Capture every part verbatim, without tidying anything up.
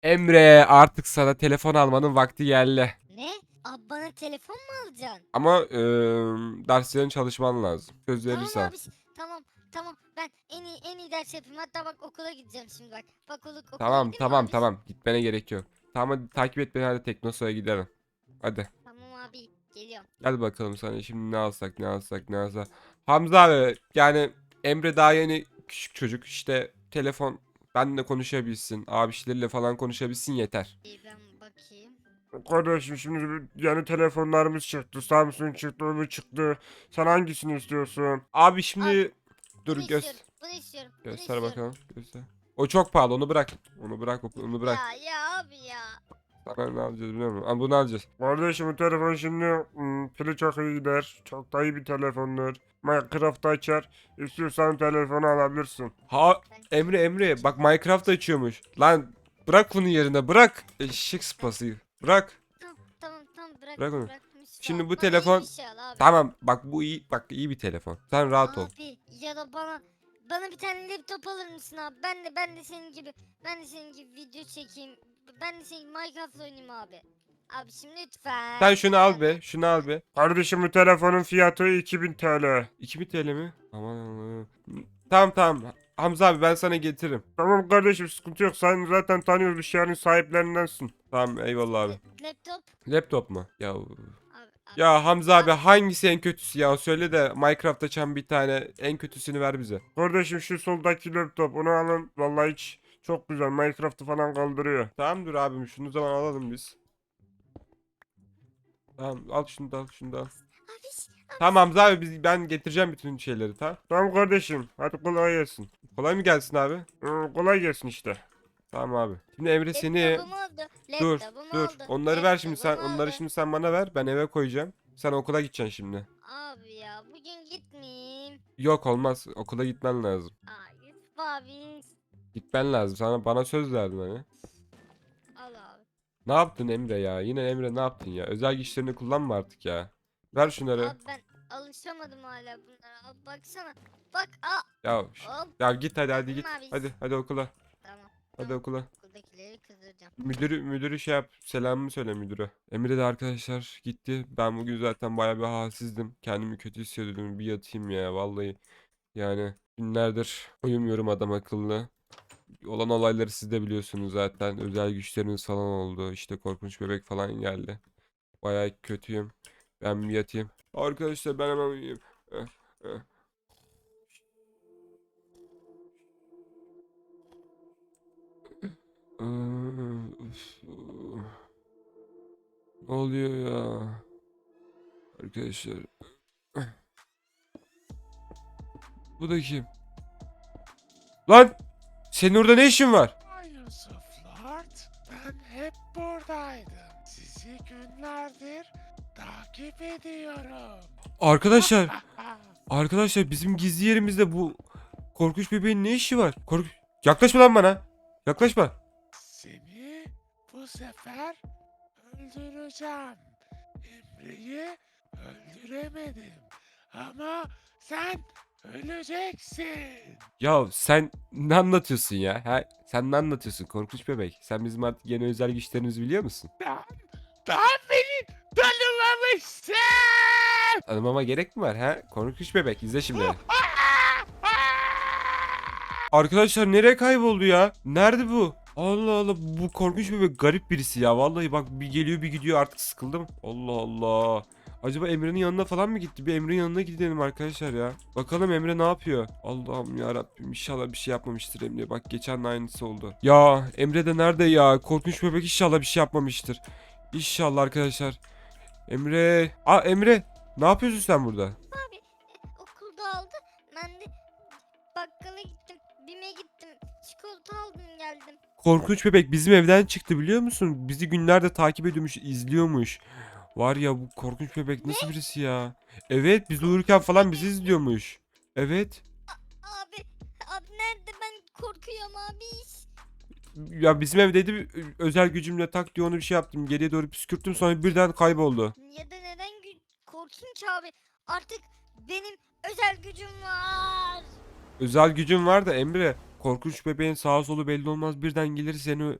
Emre, artık sana telefon almanın vakti geldi. Ne? Abi bana telefon mu alacaksın? Ama eee derslerin çalışman lazım. Söz Tamam verirsen. abi. Tamam. Tamam. Ben en iyi en iyi ders yapayım. Hatta bak okula gideceğim şimdi bak. Bak okula, okula Tamam gideyim mi tamam abi? tamam. Gitmene gerek yok. Tamam, hadi takip et beni, hadi Teknosa'ya gidelim. Hadi. Tamam abi. Geliyorum. Hadi bakalım, sana şimdi ne alsak ne alsak ne alsak. Hamza abi, yani Emre daha yeni küçük çocuk, işte telefon benimle konuşabilsin. Abişleriyle falan konuşabilsin, yeter. İyi ben bakayım. Kardeşim şimdi yeni telefonlarımız çıktı. Samsung çıktı, öbür çıktı. Sen hangisini istiyorsun? Abi Abi şimdi dur, bunu göz istiyorum. Bunu istiyorum. Bunu göster istiyorum. bakalım. Göster. O çok pahalı, onu bırak. Onu bırak, onu bırak. Ya ya abi ya. Sana ne alacağız biliyor musun? Ama bunu alacağız. Kardeşim bu telefon şimdi hmm, pili çok iyi gider. Çok da iyi bir telefondur. Minecraft açar. İstiyorsan telefonu alabilirsin. Ha, Ben Emre Emre bak, Minecraft açıyormuş. Lan bırak bunu yerine, bırak. Eşek sıpası. Bırak. tamam tamam tamam Bırak bıraktım onu. bıraktım. Yusuf Şimdi abi. bu Bana iyi bir telefon, şey al abi. tamam bak, bu iyi, bak iyi bir telefon. Sen rahat ol. Abi ya da bana bana bir tane laptop alır mısın abi? Ben de ben de senin gibi ben de senin gibi video çekeyim. Ben de senin gibi Minecraft oynayayım abi. Abi şimdi lütfen. Sen şunu al Lütfen be, abi. şunu al be. Kardeşim bu telefonun fiyatı iki bin T L. iki bin T L mi? Aman Allah'ım. Tamam tamam. Hamza abi, ben sana getiririm. Tamam kardeşim, sıkıntı yok. Sen zaten tanıyoruz, bir şeylerin sahiplerindensin. Tamam, eyvallah abi. La- laptop. Laptop mu? Ya Abi, abi. ya Hamza abi, Abi, hangisi en kötüsü ya? Söyle de Minecraft açan bir tane en kötüsünü ver bize. Kardeşim şu soldaki laptop, onu alın. Vallahi hiç çok güzel. Minecraft'ı falan kaldırıyor. Tamam dur abim, şunu zaman alalım biz. Tamam, al şunu da, al şunu da al. abi, Tamam Hamza abi, biz, ben getireceğim bütün şeyleri, tamam. Tamam kardeşim. Hadi kolay gelsin. Kolay mı gelsin abi? Ee, kolay gelsin işte. Tamam abi. Şimdi Emre seni, laptopum oldu. dur Laptopum dur. oldu. Onları ver şimdi sen. Laptopum oldu. Onları şimdi sen bana ver. Ben eve koyacağım. Sen okula gideceksin şimdi. Abi ya bugün gitmeyeyim. Yok, olmaz. Okula gitmen lazım. Aa Yusuf abi. Gitmen lazım. Sana, bana söz verdin hani. Al abi. Ne yaptın Emre ya? Yine Emre, ne yaptın ya? Özel güçlerini kullanma artık ya. Ver şunları. Abi ben alışamadım hala bunlara. Abi baksana. Bak aa. Ya ş- Hop. ya git hadi, hadi Bakın git. abi. Hadi hadi okula. Tamam. Hadi Tamam. okula. Okuldakileri kızdıracağım. Müdürü müdürü şey yap. Selamımı söyle müdüre. Emre de arkadaşlar gitti. Ben bugün zaten bayağı bir halsizdim. Kendimi kötü hissediyordum. Bir yatayım ya vallahi. Yani günlerdir uyumuyorum adam akıllı. Olan olayları siz de biliyorsunuz zaten. Özel güçleriniz falan oldu. İşte korkunç bebek falan geldi. Bayağı kötüyüm. Ben bir yatayım. Arkadaşlar ben hemen uyuyayım. Eh, eh. Iı, üf, ıı. Ne oluyor ya? Arkadaşlar. Bu da kim? Lan! Senin orada ne işin var? Yusuf Lord, ben hep buradaydım. Sizi günlerdir takip ediyorum. Arkadaşlar. Arkadaşlar, bizim gizli yerimizde bu korkunç bebeğin ne işi var? Kork Yaklaşma lan bana. Yaklaşma. Seni bu sefer öldüreceğim. Emre'yi öldüremedim. Ama sen öleceksin. Ya sen ne anlatıyorsun ya? Ha? Sen ne anlatıyorsun korkunç bebek? Sen bizim artık yeni özel güçlerimizi biliyor musun? Daha, daha beni tanımamışsın. Tanımama gerek mi var ha? Korkunç bebek, izle şimdi. Arkadaşlar, nereye kayboldu ya? Nerede bu? Allah Allah, bu korkunç bebek garip birisi ya. Vallahi bak, bir geliyor bir gidiyor, artık sıkıldım. Allah Allah. Acaba Emre'nin yanına falan mı gitti? Bir Emre'nin yanına gidelim arkadaşlar ya. Bakalım Emre ne yapıyor? Allah'ım ya Rabbim, inşallah bir şey yapmamıştır Emre. Bak, geçen de aynısı oldu. Ya Emre de nerede ya? Korkunç bebek inşallah bir şey yapmamıştır. İnşallah arkadaşlar. Emre. Aa Emre. Ne yapıyorsun sen burada? Abi okulda aldı. Ben de bakkala gittim. Bime gittim. Çikolata aldım geldim. Korkunç bebek bizim evden çıktı, biliyor musun? Bizi günlerde takip ediyormuş, izliyormuş. Var ya, bu korkunç bebek nasıl birisi ya? Evet, biz uyurken falan bizi izliyormuş. Evet. Abi abi nerede ben korkuyorum abi. Ya bizim evdeydi, ö- özel gücümle tak diye onu bir şey yaptım. Geriye doğru püskürttüm, sonra birden kayboldu. Ya da neden gü- korkayım ki abi? Artık benim özel gücüm var. Özel gücüm var da Emre. Korkunç bebeğin sağa solu belli olmaz, birden gelir seni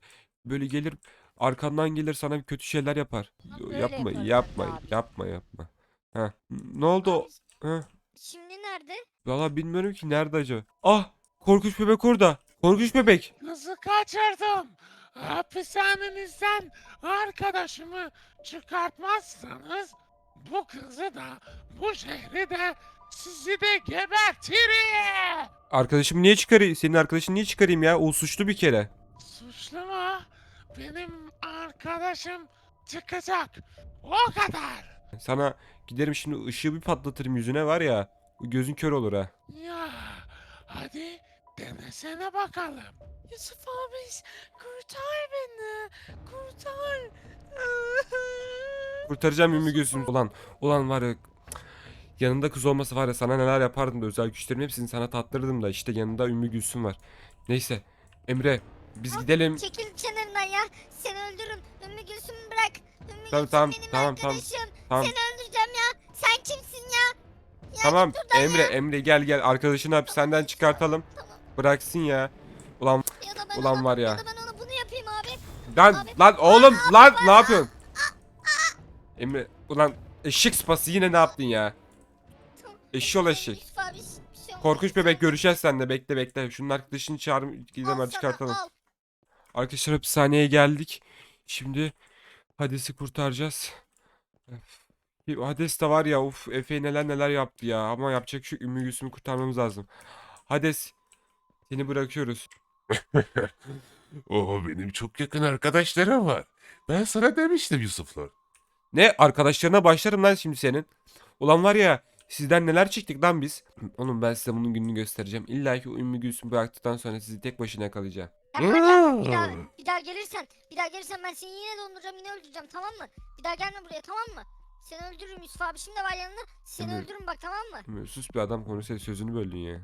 böyle gelir arkandan gelir sana bir kötü şeyler yapar. Abi Yo, böyle yapma yaparım yapma ben de abi. yapma yapma. Heh. Ne oldu? Abi, o- Heh. şimdi nerede? Valla bilmiyorum ki nerede acaba. Ah, korkunç bebek orada. Korkunç bebek. Kızı kaçırdım. Hapishanenizden arkadaşımı çıkartmazsanız bu kızı da bu şehri de sizi de gebertirim. Arkadaşımı niye çıkarayım? Senin arkadaşını niye çıkarayım ya? O suçlu bir kere. Suçlu mu? Benim arkadaşım çıkacak. O kadar. Sana giderim şimdi ışığı bir patlatırım yüzüne var ya. Gözün kör olur ha. Ya hadi denesene bakalım. Yusuf abi kurtar beni. Kurtar. Kurtaracağım Ümmü Gülsüm. Ulan, ulan var ya. Yanında kız olmasa var ya sana neler yapardım da özel güçlerin hepsini sana tattırdım da işte yanında Ümmü Gülsüm var. Neyse Emre biz gidelim. Çekil kenarından ya. Seni öldürürüm. Ümmü Gülsüm'ü bırak. Ümmü Tamam, Gülsüm tamam, benim tamam, tamam. arkadaşım. Tamam. Seni öldüreceğim ya. Sen kimsin ya? Ya Tamam git buradan Emre ya. Emre gel gel arkadaşını hapishaneden çıkartalım. Tamam. Bıraksın ya. Ulan Ya da ben ulan ona, var ya. Ya da ben ona bunu yapayım abi. lan Abi. lan oğlum lan ne yapıyorsun? Emre ulan eşek sıpası yine ne yaptın ya? Tamam. Eşşoğlu eşek. Yusuf abi bir şey olmaz. Korkunç bebek görüşeceğiz seninle bekle bekle. Şunun arkadaşını çağırıp gidelim Al hadi sana, çıkartalım. al. Arkadaşlar hapishaneye geldik. Şimdi Hades'i kurtaracağız. Öf. Bir Hades de var ya uf Efe neler neler yaptı ya ama yapacak şu Ümmü Gülsüm'ü kurtarmamız lazım. Hades seni bırakıyoruz. Oo benim çok yakın arkadaşlarım var. Ben sana demiştim Yusuflar. Ne arkadaşlarına başlarım lan şimdi senin. Ulan var ya sizden neler çektik lan biz. Oğlum ben size bunun gününü göstereceğim. İlla ki o Ümmü Gülsüm'ü bıraktıktan sonra sizi tek başına yakalayacağım. Yapma ya. Bir daha, bir daha gelirsen, bir daha gelirsen ben seni yine donduracağım, yine öldüreceğim, tamam mı? Bir daha gelme buraya, tamam mı? Seni öldürürüm, Yusuf abi şimdi var yanında. Seni Tabii. öldürürüm bak, tamam mı? Ümmü, sus bir adam konuşsa sözünü böldün ya.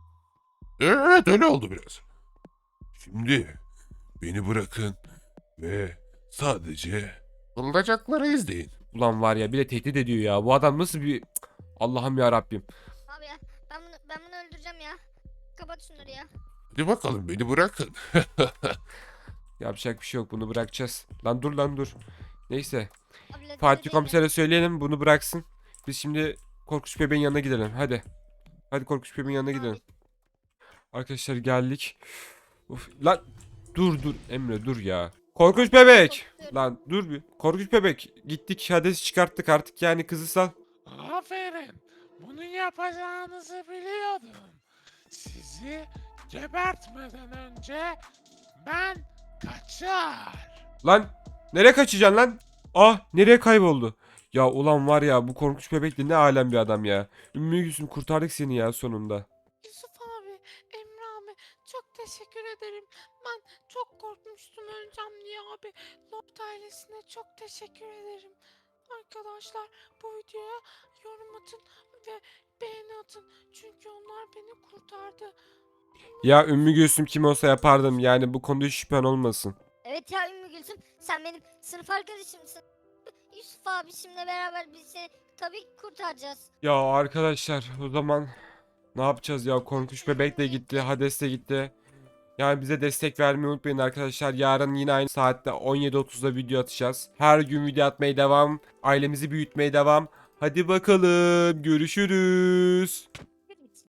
Evet öyle oldu biraz. Şimdi beni bırakın ve sadece olacakları izleyin. Ulan var ya bir de tehdit ediyor ya. Bu adam nasıl bir... Cık, Allah'ım ya Rabbim. Abi ya, ben bunu, ben bunu öldüreceğim ya. Kapat şunları ya. Hadi bakalım beni bırakın. Yapacak bir şey yok bunu bırakacağız. Lan dur lan dur. Neyse. Abi, lede Fatih lede komisere söyleyelim bunu bıraksın. Biz şimdi Korkunç Bebeğin yanına gidelim. Hadi. Hadi Korkunç Bebeğin yanına Abi. gidelim. Arkadaşlar geldik. Uf, lan dur dur Emre dur ya. Korkunç Bebek. Korkuyorum. Lan dur bir. Korkunç Bebek. Gittik Hades'i çıkarttık artık yani kızı sal. Aferin. Bunu yapacağınızı biliyordum. Sizi gebertmeden önce ben kaçar. Lan nereye kaçacaksın lan? Ah nereye kayboldu? Ya ulan var ya bu korkunç bebek de ne alem bir adam ya. Ümmü Gülsüm kurtardık seni ya sonunda. Yusuf abi, Emre abi çok teşekkür ederim. Ben çok korkmuştum öleceğim diye abi. Loft ailesine çok teşekkür ederim. Arkadaşlar bu videoya yorum atın ve beğeni atın. Çünkü onlar beni kurtardı. Ya Ümmü Gülsüm kim olsa yapardım yani bu konuda hiç şüphen olmasın. Evet ya Ümmü Gülsüm, sen benim sınıf arkadaşımsın. Yusuf abi şimdi beraber biz seni tabii ki kurtaracağız. Ya arkadaşlar o zaman ne yapacağız ya korkunç bebek de gitti Hades de gitti. Yani bize destek vermeyi unutmayın arkadaşlar. Yarın yine aynı saatte on yedi otuzda video atacağız. Her gün video atmaya devam. Ailemizi büyütmeye devam. Hadi bakalım görüşürüz.